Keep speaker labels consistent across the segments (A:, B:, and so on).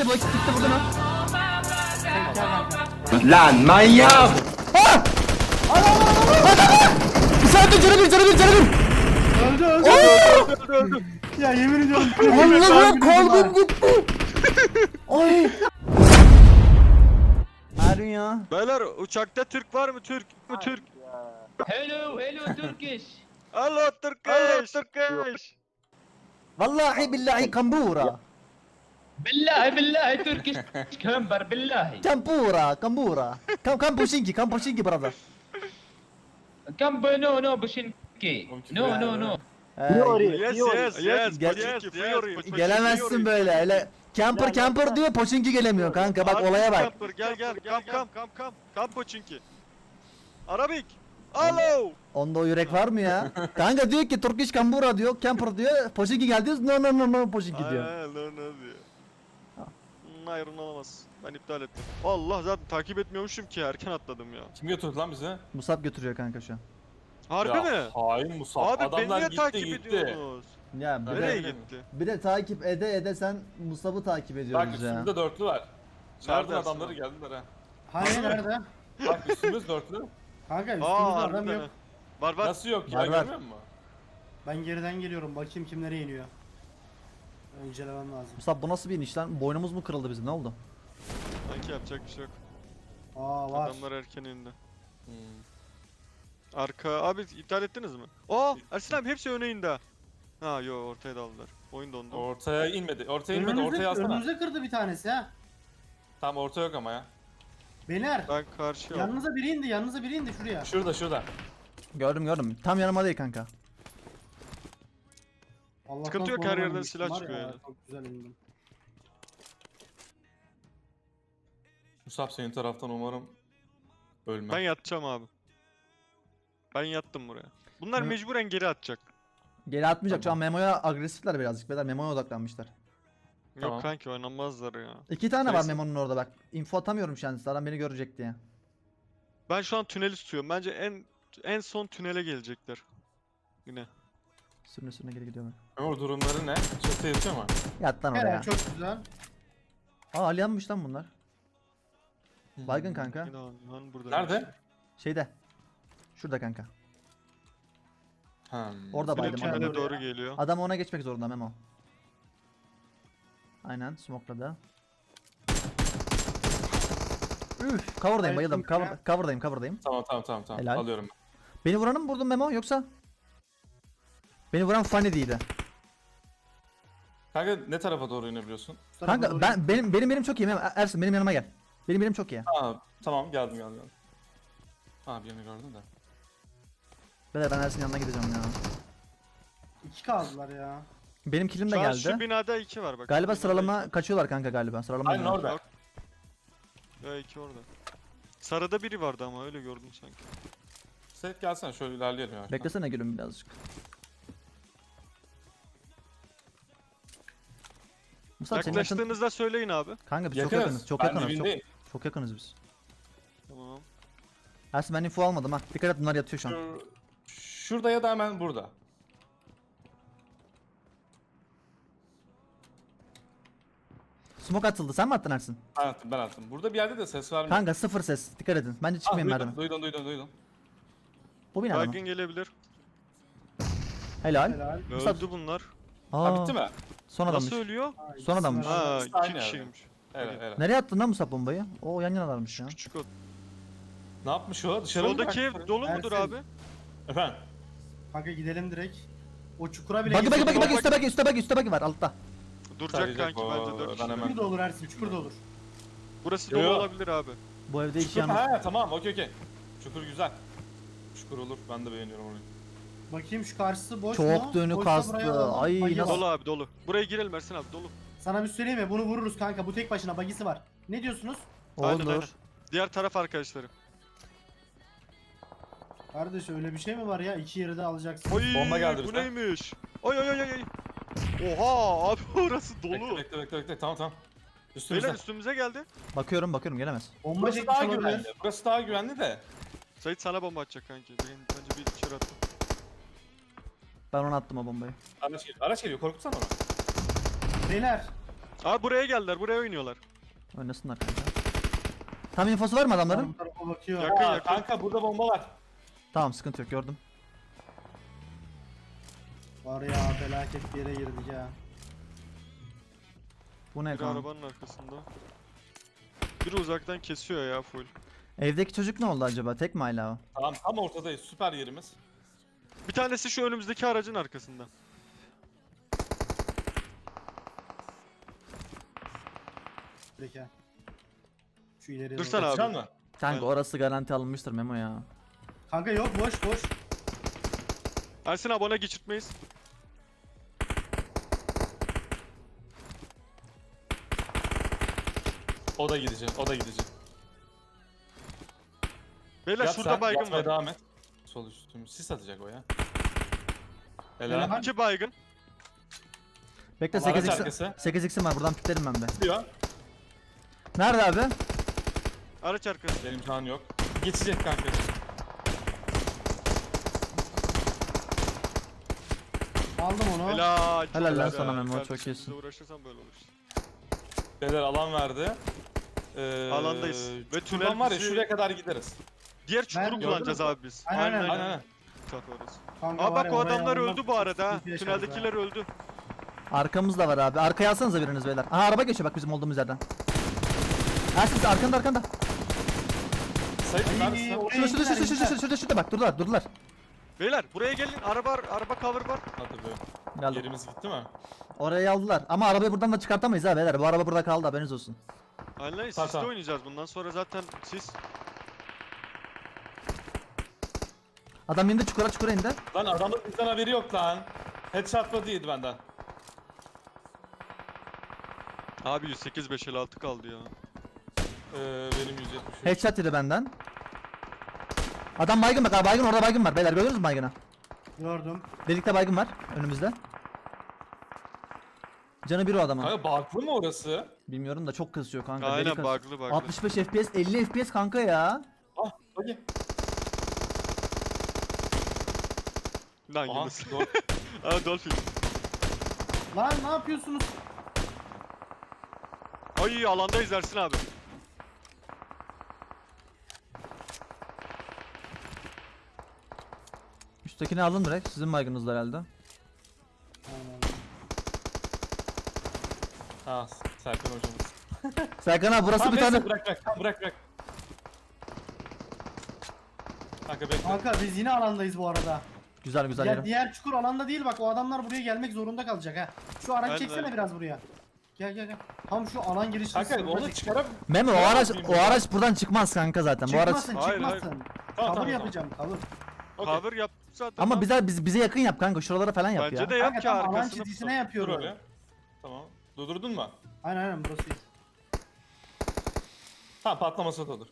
A: bu ikisi gitti buradan ha.
B: Lan manyak!
A: Canı bir.
C: Öldü. Ya yemin ediyorum.
A: Allah'ım kalbim gitti. Ay. Harun ya.
D: Beyler uçakta Türk var mı? Türk.
E: Hello Turkish.
D: Hello Turkish.
A: Vallahi billahi kambura.
E: Billahi Turkish كمبر billahi.
A: Kambura. Kam poşinki brother.
E: No Bushinki. No.
D: Yes.
A: Gelemezsin böyle. Öyle camper diyor poşinki gelemiyor kanka bak olaya bak.
D: Gel. Kam Poçinki. Arabik. Alo.
A: Onda o yürek var mı ya? Kanka diyor ki Turkish kambura diyor, camper diyor, poşinki geldi no poşinki diyor.
D: Ne diyor? Hayır olamaz. Ben iptal ettim. Allah zaten takip etmiyormuşum ki erken atladım ya.
F: Kim götürdü lan bizi?
A: Musab götürüyor kanka şu an.
D: Harbi
F: Ya,
D: mi?
F: Hain Musab.
D: Abi beni
F: Adamlar
D: niye
F: gitti
D: takip
F: gitti.
D: ediyorsunuz?
A: Ya
D: Nereye
F: de-
D: gitti?
A: bir de takip ede sen Musab'ı takip
F: Bak
A: ediyoruz ya.
F: üstümüzde dörtlü var. Çağırdın
D: Nerede
F: adamları
D: aslında?
F: geldiler ha.
C: Hani nerede?
F: Bak üstümüz dörtlü.
C: Kanka üstümüzde
D: Aa
C: adam
D: harbiden
C: yok.
D: ha. Var.
F: Nasıl yok ya
A: Var.
F: görmüyor musun?
C: Ben geriden geliyorum. Bakayım kimlere iniyor. İncelemem lazım.
A: Musab bu nasıl bir iniş lan? Boynumuz mu kırıldı bizim? Ne oldu?
D: Sanki yapacak bir şey yok.
C: Aa var.
D: Adamlar erken indi. Arka abi iptal ettiniz mi? Aa Ersin abi hepsi öne indi ha. Ha yo ortaya daldılar. Oyun dondu.
F: Ortaya inmedi. Ortaya alsana.
C: Önümüze kırdı bir tanesi ha.
F: Tam orta yok ama ya.
C: Beyler.
D: Ben karşıya aldım.
C: Yanınıza biri indi şuraya.
F: Şurada.
A: Gördüm. Tam yanıma değil kanka.
C: Allah'tan
D: Sıkıntı yok, her
C: sonradan
D: yerden
C: inmiştim
D: silah
C: var
D: çıkıyor
C: ya,
D: yani.
C: Çok güzel indim.
F: Musab senin taraftan umarım ölmem.
D: Ben yatacağım abi. Ben yattım buraya. Bunlar
A: Hı.
D: mecburen geri atacak.
A: Geri atmayacak şu an Memo'ya agresifler birazcık. Beyler Memo'ya odaklanmışlar.
F: Tamam.
D: Yok kanki oynanmazlar ya.
A: 2 tane var
D: Neyse.
A: Memo'nun orada bak. Info atamıyorum şu an adam beni görecek diye.
D: Ben şu an tüneli tutuyorum. Bence en son tünele gelecekler. Yine.
A: Sürüne geri gidiyor bak.
F: Ömür durumları ne? Çatıya yatıyor mu?
A: Yat lan oraya.
C: Helal çok güzel.
A: Aa Aliyanmış lan bunlar. Baygın kanka.
D: Yine lan burada.
F: Nerede?
A: Şeyde. Şurada kanka. Orada
D: Yine
A: baydım
D: tünele
A: adamı.
D: doğru geliyor.
A: Adam ona geçmek zorunda Memo. Aynen smokladı. Üf, cover'dayım bayıldım. Cover'dayım.
F: Tamam.
A: Helal.
F: Alıyorum.
A: Beni vuranı mı vurdun Memo yoksa? Beni vuran Funny değildi.
F: Kanka ne tarafa doğru inebiliyorsun?
C: Şu tarafa
A: Kanka
C: doğru
A: benim çok iyi Memo. Ersin benim yanıma gel. Benim çok iyi.
F: Aa tamam geldim. Ha birini gördüm de.
A: Beyler ben Ersin'in yanına gideceğim ya.
C: İki kaldılar ya.
A: Benim killim de
D: Şu an
A: geldi.
D: şu binada 2 var bak.
A: Galiba
D: Binada
A: sıralama kaçıyorlar kanka galiba. Sıralama
F: Aynen
A: oynuyorlar.
F: orada.
D: iki. Ya 2 orada. Sarıda biri vardı ama öyle gördüm sanki.
F: Seyit gelsene şöyle ilerleyelim ya.
A: Beklesene gülüm birazcık. Musab senin yakın...
D: Yaklaştığınızda söyleyin abi.
A: Kanka biz çok
F: Yakınız.
A: yakınız. Çok
F: Ben
A: yakınız.
F: dibindeyim.
A: Çok yakınız biz.
D: Tamam.
A: Ersin ben info almadım ha. Dikkat et bunlar yatıyor şu an.
F: Şurada ya da hemen burada.
A: Smoke atıldı. Sen mi attın Ersin?
F: Ben attım. Burada bir yerde de ses var mı?
A: Kanka sıfır ses. Dikkat edin. Bence çıkmayın merdiven.
F: Duydum.
A: Bu binada mı?
D: Baygın gelebilir.
A: Helal.
C: Helal.
A: Musab-
D: Öldü bunlar.
A: Aa,
F: Ha bitti mi?
A: Son adammış.
D: Nasıl ölüyor?
C: Aa,
A: Son adammış.
C: ikisi var.
D: Ha
F: Aynı
D: 2
F: yerde.
D: kişiymiş.
F: Evet.
A: Nereye attın lan Musab bombayı? Oo yan yanalarmış ya.
D: Küçük o.
F: Ne yapmış o? Dışarı mı
D: Soldaki
F: bıraktı?
D: ev dolu mudur
C: Ersin.
D: abi?
F: Efendim?
C: Kanka gidelim direkt. O çukura bile
A: Bak
C: girdik.
A: üstte bagi var altta.
D: Duracak
F: Saracak
D: kanki
F: o,
D: bence 4
F: ben
D: kişi.
F: hemen-
C: Çukur da olur Ersin, çukur da olur.
D: Burası
F: Yo,
D: dolu
F: yo.
D: olabilir abi.
A: Bu evde iki
F: Çukur,
A: yan...
F: ha tamam okey. Çukur güzel. Çukur olur ben de beğeniyorum orayı.
C: Bakayım şu karşısı boş
A: Çok
C: mu?
A: dönük
C: Boşsa
A: kastı.
C: buraya alalım.
A: Ay,
C: Bagi
A: nasıl-
C: var.
D: Dolu abi dolu. Buraya girelim Ersin abi dolu.
C: Sana bir söyleyeyim mi? Bunu vururuz kanka. Bu tek başına bagisi var. Ne diyorsunuz?
D: Aynen, aynen.
A: Olur.
D: Diğer taraf arkadaşları.
C: Kardeş öyle bir şey mi var ya? İki yeri de alacaksın.
D: Oy
F: Bomba geldi
D: bu
F: bize.
D: neymiş? Ay. Oha abi orası dolu.
F: Bekle tamam.
D: Beyler
F: Üstümüzde.
D: üstümüze geldi.
A: Bakıyorum gelemez.
C: Bomba
F: Burası
C: çekmiş
F: daha
C: olabilir.
F: güvenli. Burası daha güvenli de.
D: Sait sana bomba atacak kanki. Bence bir içeri attım.
A: Ben ona attım o bombayı.
F: Araç geliyor korkutsana onu.
C: Beyler.
D: Abi buraya geldiler, buraya oynuyorlar.
A: Oynasınlar kanka. Tam infosu var mı adamların?
C: Bu tarafa bakıyor.
D: Yakın,
F: Aa,
D: yakın.
F: kanka burada bomba var.
A: Tamam sıkıntı yok gördüm.
C: Var ya felaket bir yere girdik ya.
A: Bu ne
D: Biri
A: kanka?
D: arabanın arkasında. Biri uzaktan kesiyor ya full.
A: Evdeki çocuk ne oldu acaba? Tek mi hala o?
F: Tamam tam ortadayız. Süper yerimiz.
D: Bir tanesi şu önümüzdeki aracın arkasında.
C: Peki. Şu ileriye
D: Dursana
C: doğru.
D: abi.
F: Can mı?
A: Kanka
D: Ben-
A: orası garanti alınmıştır Memo ya.
C: Kanka yok boş boş.
D: Ersin abi ona geçirtmeyiz.
F: O da gidecek. O da gidecek.
D: Beyler
F: Yat
D: şurada
F: sen,
D: baygın
F: yatmaya
D: var.
F: devam et. Sol üstüm. Sis atacak o ya.
C: Helal.
F: Helal.
D: 2 baygın.
A: Bekle
F: Ama araç
A: 8x
F: arkası.
A: 8x'im var buradan piklerim ben de.
F: Diyor.
A: Nerede abi?
D: Araç arkası.
F: Benim can yok. Geçecek kanka.
C: Aldım onu.
D: Helal. çok
A: Helal lan
D: güzel.
A: sana Memo,
D: Kardeşim,
A: çok iyisin.
D: bizle uğraşırsan böyle olur işte.
F: Beyler alan verdi.
D: Alandayız. Ve tünel
F: Şuradan var ya
D: bizi-
F: şuraya kadar gideriz.
D: Diğer çukuru
C: gördüm.
D: kullanacağız abi biz.
C: Aynen,
F: Aynen aynen.
D: Tak orası.
C: Kanka
D: Aa
C: var
D: bak
C: ya,
D: o
C: oraya
D: adamlar
C: almak
D: öldü bu arada ha.
C: sıkıntı yaşarız
D: Tüneldekiler öldü.
A: Arkamız da var abi. Arkaya alsanıza biriniz beyler. Aha araba geçiyor bak bizim olduğumuz yerden. Ersin arkanda arkanda.
F: Sayın
C: Ay,
F: neredesin?
C: oraya
A: Şurada
C: indiler, indiler.
A: şurada bak durdular.
D: Beyler buraya gelin. Araba cover var.
F: Hadi be.
A: Geldim.
F: Yerimiz gitti mi?
A: Orayı aldılar ama arabayı buradan da çıkartamayız ha beyler. Bu araba burada kaldı haberiniz olsun.
D: Aynen
F: Tamam,
D: sisle
F: tamam.
D: oynayacağız bundan sonra zaten sis.
A: Adam indi çukura indi.
F: Lan adamın bizden haberi yok lan. Headshot mı değildi benden.
D: Abi 108 556 kaldı ya.
F: Benim 173.
A: Headshot yedi benden. Adam baygın bak abi baygın orada baygın var beyler görüyorsunuz mu baygını?
C: Gördüm.
A: Delikte baygın var önümüzde. Canı bir o adamın.
F: Kanka baklı mı orası?
A: Bilmiyorum da çok kızıyor kanka.
D: Aynen
A: deli kas-
D: bug'lı.
A: 65 FPS 50 FPS kanka ya.
F: Ah hadi.
D: Lan
F: Aha
D: Yunus.
F: doğru.
D: Aa Dolphin.
C: Lan ne yapıyorsunuz?
D: Ay alandayız Ersin abi.
A: Üsttekini alın direkt sizin baygınızda herhalde.
C: Aynen.
F: Ha Serkan hocamız.
A: Serkan abi burası
F: Tamam
A: bir
F: neyse,
A: tane.
F: bırak. Tamam, bırak. Kanka bekle.
C: Kanka biz yine alandayız bu arada.
A: Güzel güzel
C: Ya,
A: yerim.
C: diğer çukur alanda değil bak o adamlar buraya gelmek zorunda kalacak ha. Şu aracı
D: Aynen
C: çeksene
D: öyle.
C: biraz buraya. Gel. Tam şu alan girişini
F: Kanka
C: sınırda
F: onu
C: çek.
F: çıkarıp...
A: Memo o araç buradan çıkmaz kanka zaten. Bu araç
C: Çıkmasın
D: Hayır,
C: çıkmasın.
F: Tamam,
C: Cover
F: tamam,
C: yapacağım cover.
F: Okey.
D: Cover yap zaten.
A: ama
D: lan.
A: bize yakın yap kanka. Şuralara falan yap
D: Bence
A: ya.
D: de yap
C: Kanka
D: ki
C: tam alan
D: arkasını.
C: çizgisine
F: Dur
C: yapıyorum.
F: öyle. Tamam. Durdurdun mu?
C: Aynen burası iyi.
F: Tamam patlaması da olur.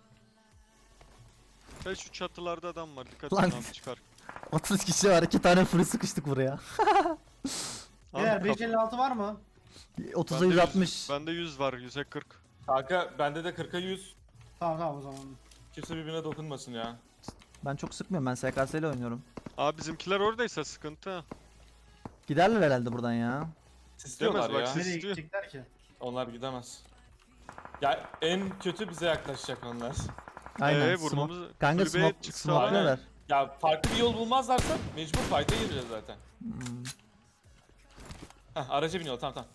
D: Hey, şu çatılarda adam var. Dikkat
A: Lan.
D: edin abi çıkar.
A: 30 kişi var. 2 tane free sıkıştık buraya.
C: Beyler
D: Abi,
C: 556 var mı?
A: 30'a
D: bende
A: 160.
D: Bende 100 var. 100'e 40.
F: Kanka bende de 40'a 100.
C: Tamam o zaman.
F: Kimse birbirine dokunmasın ya.
A: Ben çok sıkmıyorum. Ben SKS ile oynuyorum.
D: Abi bizimkiler oradaysa sıkıntı ha.
A: Giderler herhalde buradan ya.
F: Sisliyorlar
D: bak,
F: ya.
D: siz-
C: Nereye
D: istiyor.
C: gidecekler ki?
F: Onlar gidemez. Ya en kötü bize yaklaşacak onlar.
A: Aynen.
D: Vurmamız...
A: Kanka
D: kulübeye
A: smoke,
D: çıksa-
A: smoke'luyorlar.
F: Ya farklı bir yol bulmazlarsa mecbur fight'a gireceğiz zaten. Heh araca biniyor tamam.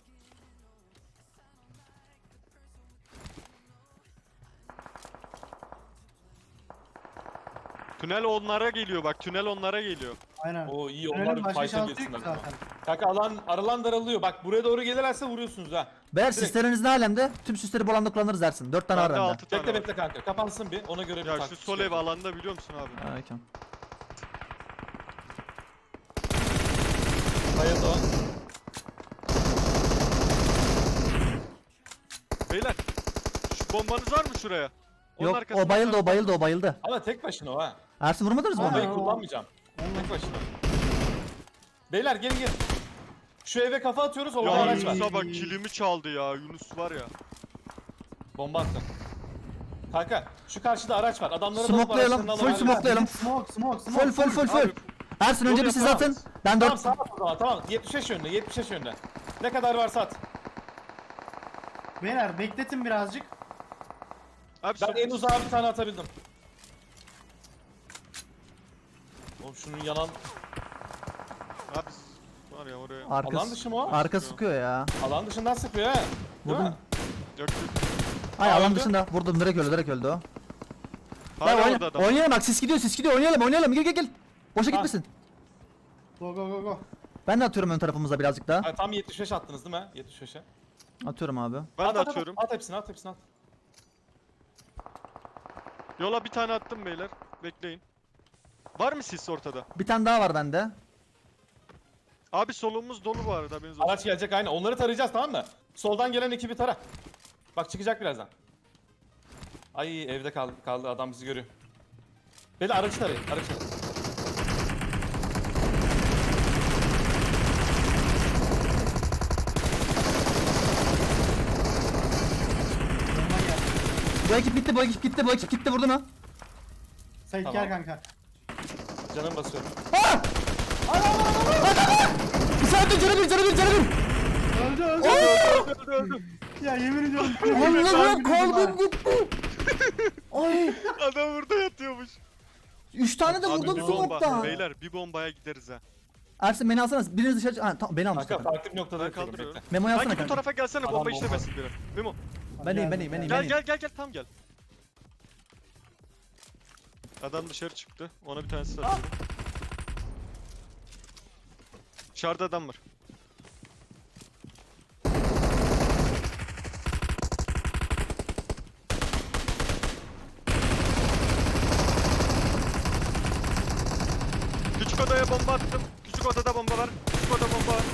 D: Tünel onlara geliyor bak. Tünel onlara geliyor.
C: Aynen.
F: Oo iyi
C: Tünelin
F: onlar bir
C: başka
F: fight'a
C: şansı yok
F: girsinler.
C: ki zaten.
F: Kanka aralan daralıyor. Bak buraya doğru gelirlerse vuruyorsunuz ha.
A: Beyler
F: Direkt.
A: süsleriniz ne alemde? Tüm süsleri bu alanda kullanırız dersin. 4 tane var
D: Bende
A: bende.
D: 6 tane
F: Bekle
D: var.
F: bekle kanka. Kapansın bir. Ona göre bir
D: Ya şu
F: taktik
D: sol ev
F: çıkaracağım.
D: alanda biliyor musun abi?
A: Aleyküm.
F: Bayıldı o.
D: Beyler. Şu bombanız var mı şuraya? Onun
A: Yok
D: arkasında
A: o bayıldı.
F: Ama tek başına o ha.
A: Ersin vurmadınız mı
F: Bombayı
A: onu?
C: Aa.
F: kullanmayacağım. Tek başına. Beyler gelin. Şu eve kafa atıyoruz orada
D: Ya
F: araç var.
D: Yunus'a bak kilimi çaldı ya. Yunus var ya.
F: Bomba attım. Kanka şu karşıda araç var. Adamların
A: Smokelayalım, full smokelayalım.
C: Smoke.
A: Full.
D: Abi,
A: Ersin önce
F: Yol
A: bir siz
F: yapamaz.
A: atın. Ben
F: Tamam
A: 4
F: sağ at o zaman tamam. 75 yönde. Ne kadar varsa at.
C: Beyler bekletin birazcık.
D: Abi
F: Ben
D: son-
F: en uzağa bir tane atabildim. Oğlum şunun yanan
D: Abi var ya oraya.
F: alan
A: Arkası,
F: dışı mı o?
A: arka sıkıyor ya.
F: Alan dışından sıkıyor ha. Değil
A: Vurdum.
F: mi?
D: Yok yok.
A: Ay alan
F: öldü.
A: dışında. Vurdum, direkt öldü o.
D: Hala orada adam.
A: Oynayalım bak, sis gidiyor, oynayalım, gel. Boşa
F: Ha.
A: gitmesin.
C: Go go go go.
A: Ben de atıyorum ön tarafımıza birazcık daha.
F: Ha, tam 75 attınız değil mi? 75'e.
A: Atıyorum abi.
D: Ben de atıyorum.
F: At hepsini at.
D: Yola bir tane attım beyler. Bekleyin. Var mı sis ortada?
A: Bir tane daha var bende.
D: Abi solumuz dolu bu arada haberiniz olsun.
F: Araç gelecek aynen. Onları tarayacağız tamam mı? Soldan gelen ekibi tara. Bak çıkacak birazdan. Ay evde kaldı adam bizi görüyor. Beyler aracı tarayın.
C: Bomba geldi.
A: Bu ekip gitti, vurdu mu?
C: Sait
F: Tamam.
C: gel kanka.
F: Canım basıyorum.
A: Bir saniye, canı bir.
C: Öldü öldü.
D: Öldü öldü.
C: Ya yemin ediyorum.
A: Allah'ım, kalbim gitti. Ay,
D: Adam burada yatıyormuş.
A: 3 tane de
D: Abi
A: vurdum
D: bir bomba.
A: smoke'tan.
D: Beyler bir bombaya gideriz ha.
A: Ersin beni alsana. Biriniz dışarı... Ha, tamam, beni almış
F: Kanka
A: zaten.
F: farklı bir noktada
D: Ben
F: yapıyorum,
D: kaldırıyorum.
F: bekle.
A: Memo'yu alsana
D: Kanki bu
A: kanka.
D: tarafa gelsene
F: Adam
D: bomba
F: bomba.
D: işlemesin biri. Memo.
A: Ben iyiyim.
D: Gel tam gel. Adam dışarı çıktı. Ona bir tanesi satıyorum. Dışarıda adam var. Küçük odaya bomba attım. Küçük odada bomba var. Küçük oda bomba var.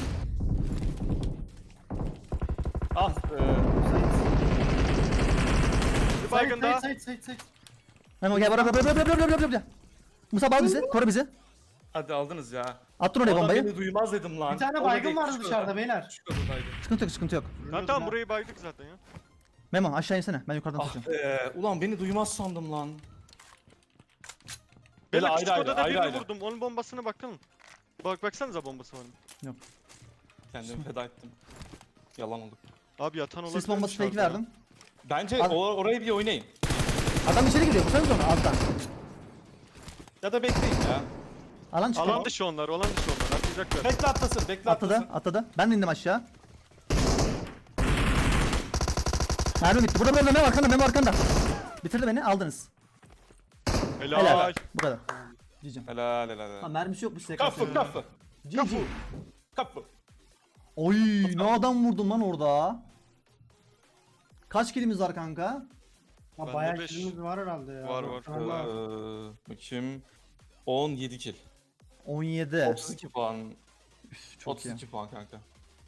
F: Al.
D: Bir baygın daha.
C: Sait.
A: Memo gel, bırak. Musa al bizi, koru bizi.
F: Hadi aldınız ya.
A: Attın oraya
F: Adam
A: bombayı.
F: beni duymaz dedim lan.
C: Bir tane
F: Orada
C: baygın
F: değil,
C: vardı
F: küçük
C: dışarıda
F: odada.
C: beyler.
F: Küçük odadaydı.
A: Sıkıntı yok.
D: Ha tamam burayı baydık zaten ya.
A: Memo aşağı insene, ben yukarıdan
F: Ah
A: tutacağım.
F: ulan beni duymaz sandım lan.
D: Beyler
F: Böyle
D: küçük
F: ayrı
D: odada
F: ayrı,
D: birini
F: ayrı.
D: vurdum. Onun bombasına bakın. Baksanıza bombası var mı?
F: Kendimi feda ettim. Yalan oldu.
D: Abi yatan olabilir.
A: Sis bombası fake
D: dışarıda ya.
A: verdim.
F: Bence
A: Abi-
F: orayı bir oynayın.
A: Adam içeri giriyor, vursanız onu alttan.
F: Ya da bekleyin ya.
A: Alan çıkıyor.
D: Alan dışı onlar. Atlayacaklar.
F: Bekle atlasın, bekle atlasın.
A: Atladı. Ben de indim aşağı. Mermi bitti. Burada Memo arkanda. Bitirdi beni, aldınız.
D: Helal.
A: Helal. Bu kadar. Cicim.
F: Helal.
A: Mermisi yokmuş size.
F: Kapı.
A: Cici.
F: Kapı.
A: Oy, ne adam vurdum lan orada. Kaç kilimiz var kanka?
C: Ha,
D: Bende
C: bayağı
D: beş.
C: kilimiz var herhalde ya.
D: Var, var.
C: Allah.
F: Bakayım. 17 kill.
A: 17.
F: 32 puan.
A: Çok iyi.
F: 32 puan kanka.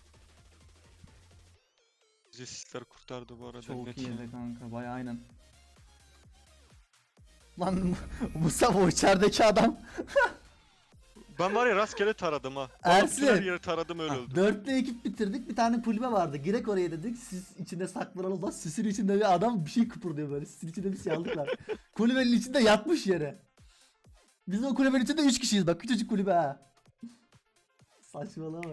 D: Bizi sisler kurtardı bu arada.
A: Çok
D: net.
A: iyiydi kanka, bayağı aynen. Lan Mustafa, o içerideki adam.
D: Ben var ya rastgele taradım ha.
A: Ersin.
D: Her yeri taradım öyle öldüm.
A: 4'lü ekip bitirdik, bir tane kulübe vardı. Girek oraya dedik, siz içinde saklanalım da sisin içinde bir adam bir şey kıpırdıyor böyle. Sisin içinde bir şey aldıklar. Kulübenin içinde yatmış yere. Biz o kulübenin içinde 3 kişiyiz bak, küçücük kulübe ha. Saçmalama.